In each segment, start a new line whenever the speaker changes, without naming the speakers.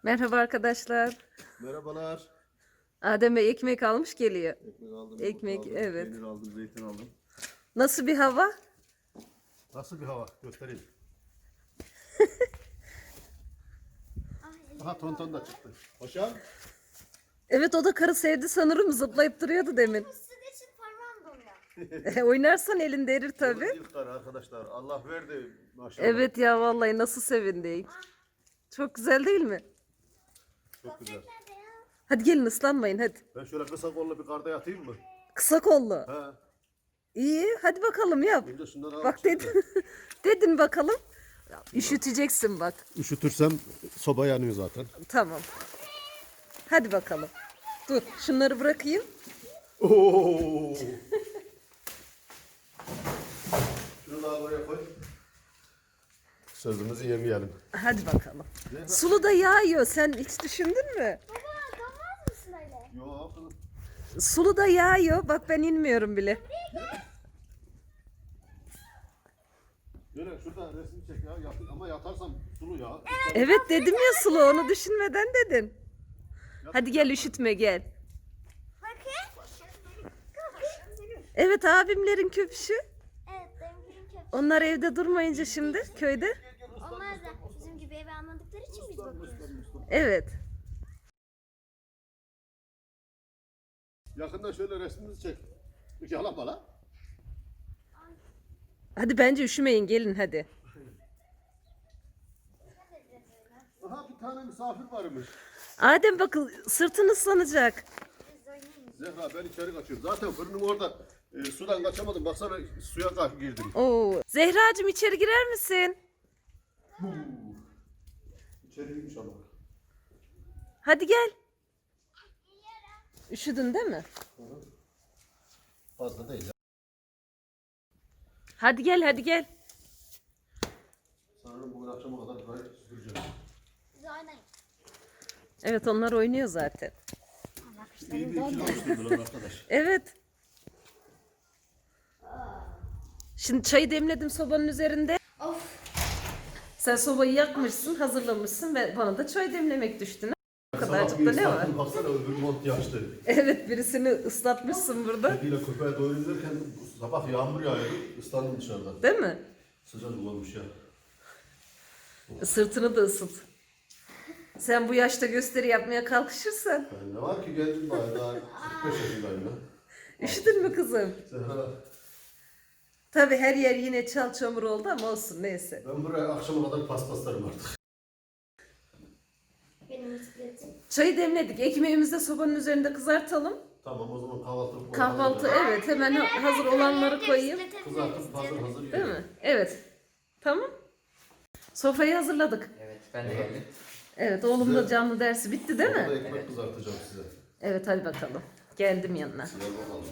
Merhaba arkadaşlar.
Merhabalar.
Adem Bey ekmek almış geliyor.
Ekmek aldım,
Ekmek,
yumurta aldım,
evet.
peynir aldım, zeytin aldım.
Nasıl bir hava?
Nasıl bir hava? Göstereyim. Aha tonton da çıktı. Paşam.
Evet, o da karı sevdi sanırım, zıplayıp duruyordu demin.
Sizin için parmağım donuyor.
Oynarsan elinde erir tabii.
İlk kar arkadaşlar. Allah verdi maşallah.
Evet ya, vallahi nasıl sevindik. Çok güzel değil mi?
Çok güzel.
Nerede ya?
Hadi gelin, ıslanmayın hadi.
Ben şöyle kısa kollu bir karda yatayım mı?
Kısa kollu.
He.
İyi, hadi bakalım yap.
Önce şundan al.
Bak dedin. Dedin bakalım. Üşüteceksin bak.
Üşütürsem soba yanıyor zaten.
Tamam. Hadi bakalım. Dur, şunları bırakayım.
Oo. Şunu daha buraya koy. Sözümüzü yemeyelim.
Hadi bakalım. Sulu da yağıyor. Sen hiç düşündün mü?
Baba donmaz mısın öyle?
Yok.
Sulu da yağıyor. Bak ben inmiyorum bile.
Böyle şurada resim çek ya. Ama yatarsam sulu ya.
Evet dedim ya, sulu, onu düşünmeden dedin. Hadi gel, üşütme gel.
Bakın.
Evet, abimlerin köpüşü.
Evet benim köpek.
Onlar evde durmayınca şimdi köyde.
Onlar da bizim gibi eve almadıkları için biz bakıyoruz.
Evet.
Yakında şöyle resmimizi çek. Yalama la.
Hadi bence üşümeyin, gelin hadi.
Aha bir tane misafir varmış.
Adem bakın, sırtın ıslanacak.
Biz oynayın.
Zehra ben içeri kaçıyorum. Zaten fırınım orada. Sudan kaçamadım. Baksana suya girdim.
Oo. Zehracığım, içeri girer misin?
İçeriymiş ama.
Hadi gel. Üşüdün değil mi?
Fazla değil ya.
Hadi gel, hadi gel.
Sanırım bugün akşama kadar burayı süpüreceğim.
Biz oynayın.
Evet, onlar oynuyor zaten.
İyi bir ikili oluşturdular arkadaş.
Evet. Şimdi çayı demledim sobanın üzerinde.
Of.
Sen sobayı yakmışsın, hazırlamışsın ve bana da çay demlemek düştü. O
Sabah
kadarcık
bir
da ne var?
ıslattım, baksana öbür mont yaştı.
Evet, birisini ıslatmışsın burada.
Kediyle köpeğe doğru izlerken sabah yağmur yağıyordu. Islandım dışarıda.
Değil mi?
Sıcacık olmuş ya.
Sırtını da ısıt. Sen bu yaşta gösteri yapmaya kalkışırsan.
Yani ne var ki gencim bayağı daha 45 yaşındayım ya.
Üşüdün mü kızım?
Zehra,
Tabii her yer yine çal çamur oldu ama olsun, neyse.
ben buraya akşama kadar paspaslarım artık.
Benim bisikletim.
Çayı demledik. Ekmeğimizi de sobanın üzerinde kızartalım.
Tamam o zaman kahvaltı.
Kahvaltı, evet, hemen hazır olanları koyayım.
Kızartıp hazır
Değil mi? Evet. Tamam. Sofrayı hazırladık.
Evet, ben de geldim.
Evet, oğlum da canlı dersi bitti değil
Orada
mi?
ekmek kızartacağım size.
Evet, hadi bakalım. Geldim yanına.
Gel bakalım.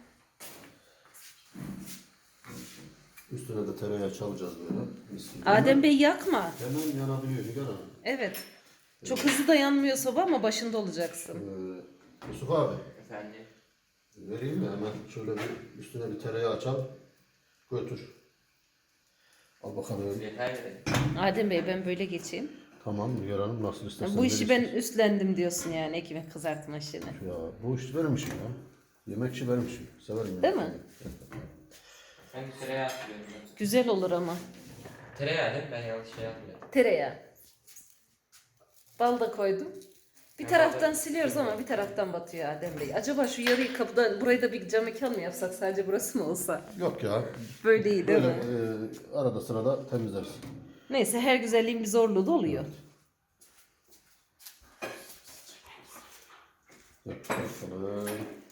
Üstüne de tereyağı çalacağız böyle. Mis gibi.
Adem Bey yakma.
Hemen yanabiliyor Nigar Hanım.
Evet. Çok hızlı da yanmıyor soba ama başında olacaksın.
Yusuf abi.
Efendim.
Vereyim mi? Hemen şöyle bir üstüne bir tereyağı açal. Götür. Al bakalım.
Yeter mi?
Adem Bey, ben böyle geçeyim.
Tamam Nigar Hanım nasıl istersen.
Bu işi ben
verirsin.
üstlendim diyorsun yani, ekmek kızartma işini.
Ya bu iş benim işim ya. Yemek işi benim işim. Severim
Değil
yemek.
mi?
Ben de tereyağı atıyorum.
Güzel olur ama.
Tereyağı değil mi? Ben yanlış şey yapmıyorum.
Tereyağı. Bal da koydum. Bir
Ben
taraftan
balı-
siliyoruz ama bir taraftan batıyor Adem Bey. Acaba şu yarıyı kapıda, burayı da bir cam mekan mı yapsak, sadece burası mı olsa?
Yok ya.
Böyle iyi değil
Böyle
mi?
arada sırada temizleriz.
Neyse, her güzelliğin bir zorluğu da oluyor.
Yap bakalım.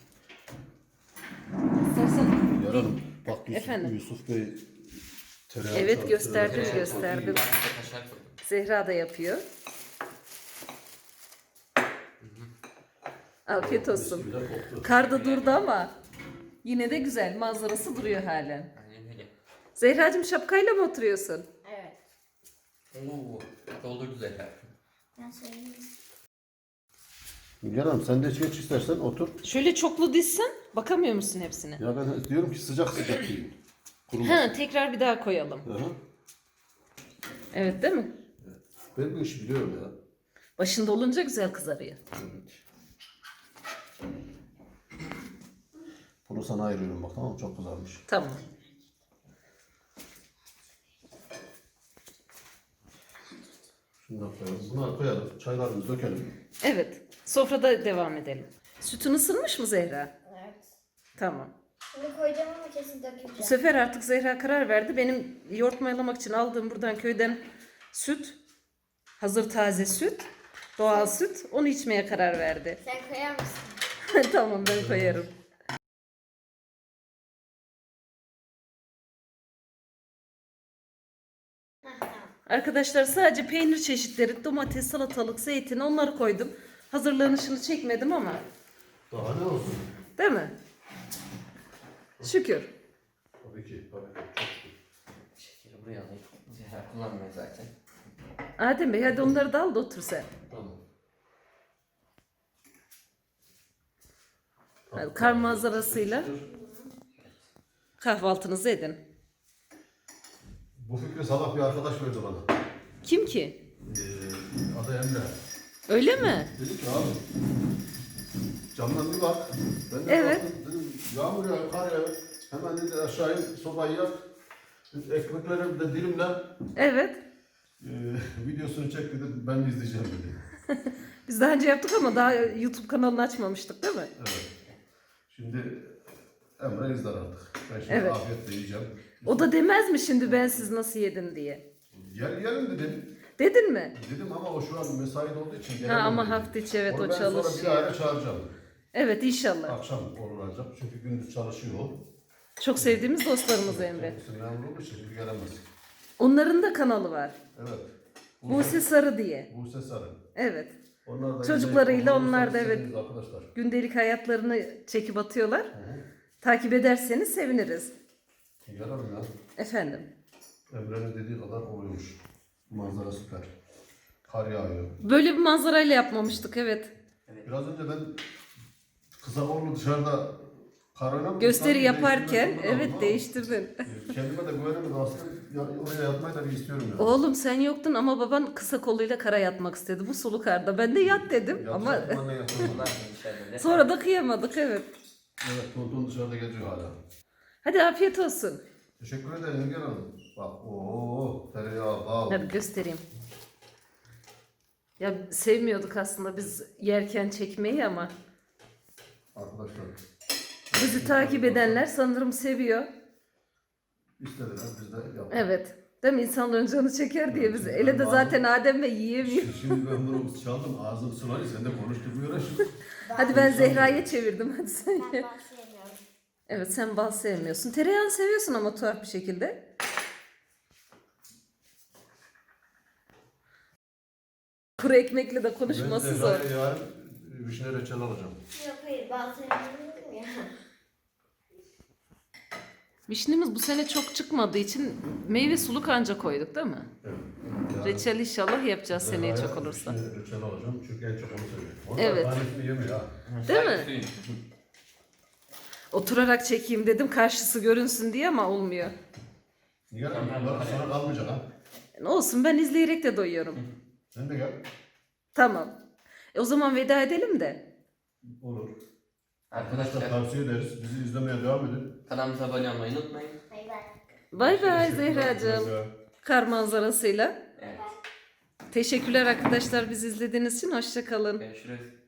İstersen
Nigar Hanım bak Yusuf,
Efendim?
Yusuf Bey tereyağı
Evet,
çaldı.
gösterdim,
Tereyağı
gösterdim.
Ben de kaşar koydum.
Zehra da yapıyor. Afiyet
çok iyi.
olsun.
Mis gibi de koktu.
Kar da durdu ama yine de güzel. Manzarası duruyor halen.
Aynen öyle.
Zehracığım, şapkayla mı oturuyorsun?
Evet.
Oo, doldurdu zaten.
Ben söyleyeyim.
Nigar Hanım sen de geç istersen otur.
Şöyle çoklu dizsen bakamıyor musun hepsine?
Ya ben diyorum ki sıcak sıcak yiyin. Kurumaz.
Ha, tekrar bir daha koyalım.
Aha.
Evet, değil mi?
Ben bu işi biliyorum ya.
Başında olunca güzel kızarıyor.
Evet. Bunu sana ayırıyorum bak, tamam mı? Çok kızarmış.
Tamam.
Şundan koyalım. Bunları koyalım. Çaylarımızı dökelim.
Evet. Sofrada devam edelim. Sütün ısınmış mı Zehra?
Evet.
Tamam.
Şimdi koyacağım ama kesin
Bu
döküleceğim.
sefer artık Zehra karar verdi. Benim yoğurt mayalamak için aldığım buradan köyden süt, hazır taze süt, doğal süt, onu içmeye karar verdi.
Sen koyar mısın?
Tamam, ben koyarım.
Hah, tamam.
Arkadaşlar sadece peynir çeşitleri, domates, salatalık, zeytin onları koydum. Hazırlanışını çekmedim ama.
Daha ne olsun?
Değil mi? Şükür.
Tabii ki. Tabii ki. Çok şükür.
Şekeri buraya alayım. Zehra kullanmıyor zaten.
Adem Bey hadi onları da al da otur sen.
Tamam.
Hadi, kar manzarasıyla kahvaltınızı edin.
Bu fikri sabah bir arkadaş verdi bana.
Kim ki?
Adı Emre.
Öyle mi?
Dedi ki abi camdan bir bak. Ben de
Evet.
baktım, dedim yağmur yağıyor, kar yağıyor. Hemen dedi aşağı in, sobayı yak. Ekmekleri de dilimle
Evet.
videosunu çek dedi. Ben de izleyeceğim dedi.
Biz daha önce yaptık ama daha YouTube kanalını açmamıştık değil mi?
Evet. Şimdi Emre izler artık. Ben şimdi
Evet.
afiyetle yiyeceğim.
O da demez mi şimdi ben siz nasıl yedin diye?
Yiyelim dedim.
Dedin mi?
Dedim ama o şu an mesaide olduğu için
Ha
gelemem
ama
dedi.
hafta içi evet
Onu
o
ben sonra bir
çalışıyor.
ara çağıracağım.
Evet inşallah.
Akşam olur ancak. Çünkü gündüz çalışıyor o.
Çok sevdiğimiz dostlarımız Emre.
Kendisi memur olduğu için şimdi gelemez.
Onların da kanalı var.
Evet.
Buse Sarı diye.
Buse Sarı.
Evet.
Onlar da
Çocuklarıyla
yine
onlar da
izlediğiniz
evet.
Arkadaşlar.
Gündelik hayatlarını çekip atıyorlar.
Hı hı.
Takip ederseniz seviniriz.
Yararım ya.
Efendim.
Emre'nin dediği kadar oluyormuş. Manzara süper. Kar yağıyor.
Böyle bir manzarayla yapmamıştık evet.
Biraz önce ben Kısakoğlu dışarıda kar oynamıştım.
Gösteri
Sanki
yaparken
değiştirmek zorunda
evet
kaldım
değiştirdin.
ama kendime de güvenemedim aslında. Ya, oraya yatmayı da bir istiyorum ya.
Oğlum sen yoktun ama baban kısa koluyla kara yatmak istedi bu sulu karda. Ben de yat dedim ama
Yatacak mı, ne yapalım?
Bunlar içeride.
sonra da kıyamadık evet.
Evet, Tonton dışarıda geziyor hala.
Hadi afiyet olsun.
Teşekkür ederim Engin Hanım. Bak, ooo, tereyağı, bal.
Hadi göstereyim. Ya sevmiyorduk aslında biz yerken çekmeyi ama
Arkadaşlar.
bizi takip edenler sanırım seviyor.
İstediler, biz de yaptık.
Evet. Değil mi? İnsanların canı çeker diye biz. Ele de zaten Adem Bey yiyemiyor.
Şimdi ben bunu çaldım, ağzım sulanıyor, sen de konuşturmuyor şimdi.
Hadi ben Zehra'ya çevirdim. Hadi sen
Ben
ye.
bahsedemiyorum.
Evet sen bal sevmiyorsun. Tereyağını seviyorsun ama tuhaf bir şekilde. Kuru ekmekle de konuşması
Ben
zor.
de yarın vişne reçel alacağım.
Yok hayır bahsedemiyorum ya.
Vişnemiz bu sene çok çıkmadığı için meyve suluk anca koyduk değil mi?
Evet. Yarın
Reçel inşallah yapacağız seneye
Zehra'ya
çok olursa.
vişne reçel alacağım çünkü en çok onu seviyorum. Onlar
Evet.
tanesini yemiyor ha.
Değil mi?
Suyun.
Oturarak çekeyim dedim karşısı görünsün diye ama olmuyor.
Niye lan? Bunlar sonra kalmayacak ha.
Ne olsun ben izleyerek de doyuyorum.
Sen de gel.
Tamam. O zaman veda edelim de.
Olur.
Arkadaşlar
Tavsiye ederiz. Bizi izlemeye devam edin.
kanalımıza abone olmayı unutmayın.
Bay bay.
Bay bay
Teşekkürler.
Zehracığım. Kar manzarasıyla.
Evet.
Teşekkürler arkadaşlar bizi izlediğiniz için. Hoşça kalın.
Görüşürüz.